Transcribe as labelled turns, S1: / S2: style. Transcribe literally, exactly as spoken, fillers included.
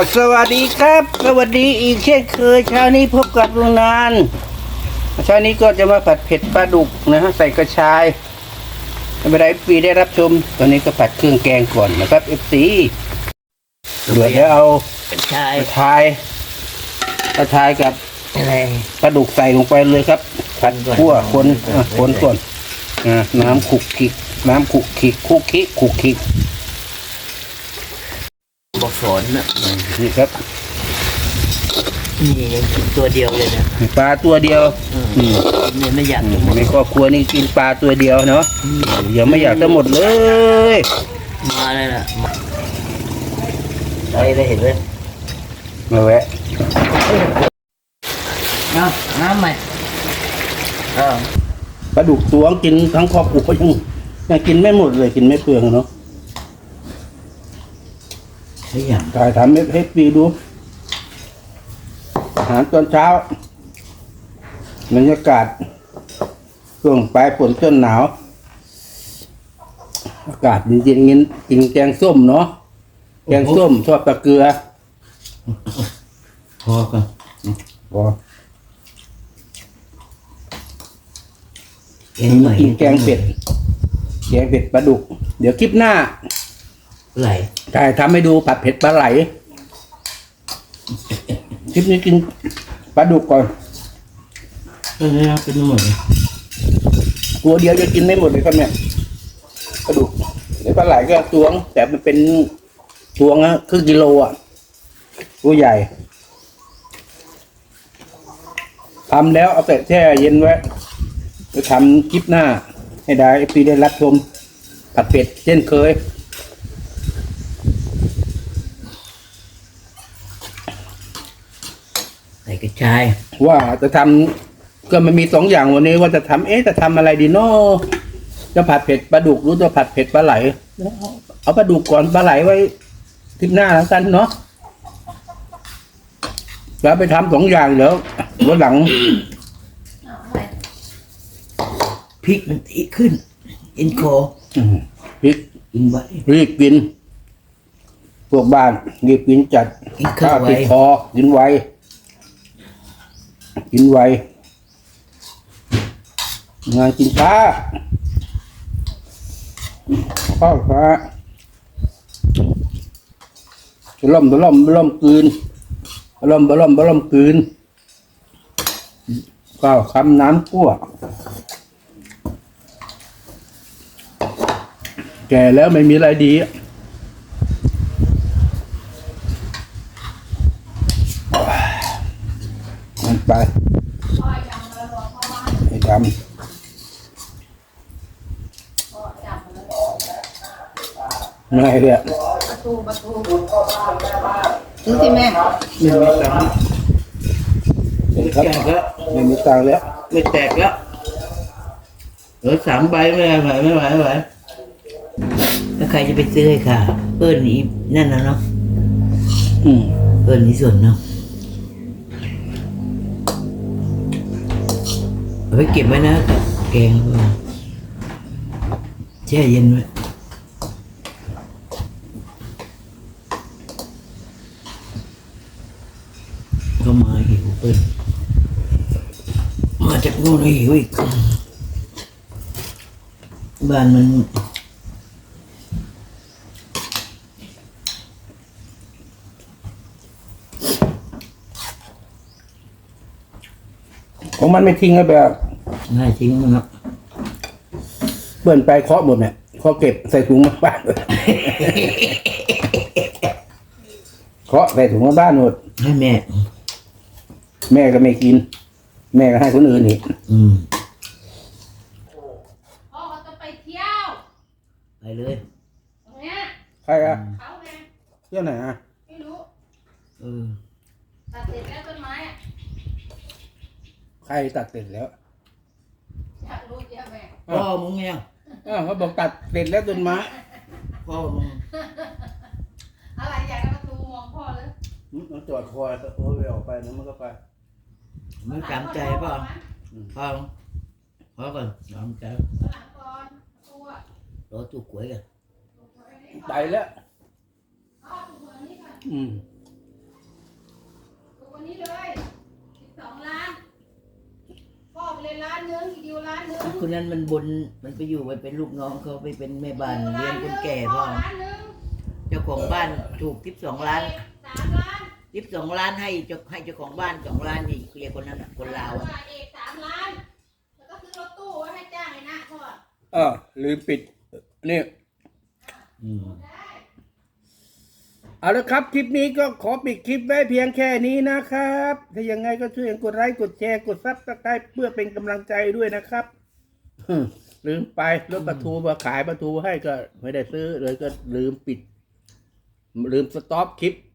S1: สวัสดีครับสวัสดีอีกเช่นเคยเช้านี้พบกับลุงนานเช้านี้ก็จะมาผัดเผ็ดปลาดุกนะฮะใส่กระชายไม่เป็นไรปีได้รับชมตอนนี้ก็ผัดเครื่องแกงก่อนนะครับเอฟซีเดี๋ยวจะเอากระชายกระชายกระชายกับอะไรปลาดุกใส่ลงไปเลยครับผัดคั่วคนคนก่อนน้ำขุกขิกน้ำขุกขิกคุกขิกขุกขิก
S2: บอกสอนนะ
S1: นี่ครับ
S2: นี่ยังกินตัวเดียวเลยนะ
S1: ปลาตัวเดียว
S2: เนี่ยไม่อยาก
S1: ในครอบครัวนี่กินปลาตัวเดียวเนาะอย่าไม่อยากจะหมดเลย
S2: มาเลยนะอะไรได้เห็นไหม
S1: มาแวะ
S2: เอาน้ำใหม่
S1: ปลาดุกตัวกินทั้งครอบครัวยังยังกินไม่หมดเลยกินไม่เปลืองเนาะถ่ายทำให้ปีดูอาหารตอนเช้าบรรยากาศช่วงปลายฝนต้นหนาวอากาศเย็นๆงี้กินแกงส้มเนาะแกงส้มทอดปลาเกลือ
S2: พอกัน
S1: พอกินแกงเป็ดแกงเป็ดปลาดุกเดี๋ยวคลิปหน้า
S2: ไหล
S1: ใช่ทำให้ดูผัดเผ็ดปลาไหลคลิปนี้กินปลาดุกก่อน
S2: เออเป็นหมด
S1: ตัวเดียวจะกินไม่หมดเลยครับเนี่ยปลาดุกเดี๋ยวปลาไหลก็ตวงแต่มันเป็นตวงอะครึ่งกิโลอ่ะตัวใหญ่ทำแล้วเอาแต่แช่เย็นไว้จะทำคลิปหน้าให้ได้ปีได้รับชมผัดเผ็ดเช่นเคย
S2: ใส่กระชาย
S1: ว่าจะทำก็มันมีสองอย่างวันนี้ว่าจะทำเอ๊ะจะทำอะไรดีเนาะจะผัดเผ็ดปลาดุกหรือจะผัดเผ็ดปลาไหลเอาปลาดุกก่อนปลาไหลไว้ทิศหน้าแล้วกันเนาะแล้วไปทำสองอย่างเดี๋ยววันหลัง
S2: พริกมันตีขึ้นอินโค
S1: พริก
S2: อินไว้
S1: รีบกินพวกบ้านรีบกินจัดข้าวติดคอกินไวกินไวงานกินช้าข้าวฟ้าจะล่มจะล่มล่มกืนล่มล่มล่มกืนข้าวคำน้ำกั่วแก่แล้วไม่มีอะไรดีมันไปให้ดำไม่เลย
S3: ประตูประตูซื้อสิแม่
S1: ไม่มีตังค์ไม่แตกแล้วไม่มีตังค์แล้ว
S2: ไม่แตกแล้วเหลือสามใบไม่ไหวไม่ไหวไม่ไหวแล้วใครจะไปซื้อให้ค่ะเปิ้ลนี้นั่นนะเนาะ
S1: อืม
S2: เปิ้ลนี้ส่วนเนาะเอาไปเก็บไว้นะแกงแช่เย็นไว้ก็มาหิวเปิ้ลมาจากโน่นหิวอีกบ้านมัน
S1: ของมันไม่ทิ้งแล้วแบบ
S2: ง่ายทิ้งมันครับ
S1: เปิ่นไปเคาะหมดเนี่ยเคาะเก็บใส่ถุงมาบ้านเคาะใส่ถุงมาบ้านหมด
S2: ให้แม่
S1: แม่ก็ไม่กินแม่ก็ให้คนอื่นอีก
S2: อืม
S3: พ่อเขาจะไปเที่ยว
S2: ไปเลย
S3: ตรงเนี้ย
S1: ใครอะ
S3: เขาไง
S1: เที่ยวไหนอะ
S3: ไม่รู้
S2: เออ
S3: ตัดเสร็จแล้วต้นไม้อะ
S1: ใครตัดเสร็จแล้ว
S3: อยากรู้เยอะแม่
S2: พ่อมึงไง
S1: อ้าวเขาบอกตัดเสร็จแล้วต้นไม้
S2: พ่อมึง
S3: อะไรอยากจะประตูมองพ่อเลย
S1: มันจอดคอยโอ้ยออกไปนะมันก็ไป
S2: มึงจำใจเปล่าพ่อพ่อก่อนจำใจ
S3: หลังก่อนตัว
S2: รอตู้กล้วยกัน
S1: ไปแล้วอืม
S3: านนึงอีกดิวล้านนึง
S2: คนนั้นมันบนมันไปอยู่ไปเป็นลูกน้องเขาไปเป็นแม่บ้านเลี้ยงคนแก่พ่อ
S3: ล้านนึง
S2: เจ้าของบ้านถูกทิปสองล้าน
S3: สามล้าน
S2: ทิปสองล้านให้เจ้าให้เจ้าของบ้านสองล้านนี่เคลียร์คนนั้นน่ะคนลาวอะ
S3: เอกสามล้านแล้วก็ซื้อรถตู้ไว้ให้จ้างไอ้นะพ่อ
S1: เออลืมปิดนี่
S2: อืม
S1: เอาละครับคลิปนี้ก็ขอปิดคลิปไว้เพียงแค่นี้นะครับ ถ้ายังไงก็ช่วยกดไลค์กดแชร์กดซับสไครป์เพื่อเป็นกำลังใจด้วยนะครับฮึลืมไปรถปลาทูมาขายปลาทูให้ก็ไม่ได้ซื้อเลยก็ลืมปิด ลืมสต็อปคลิป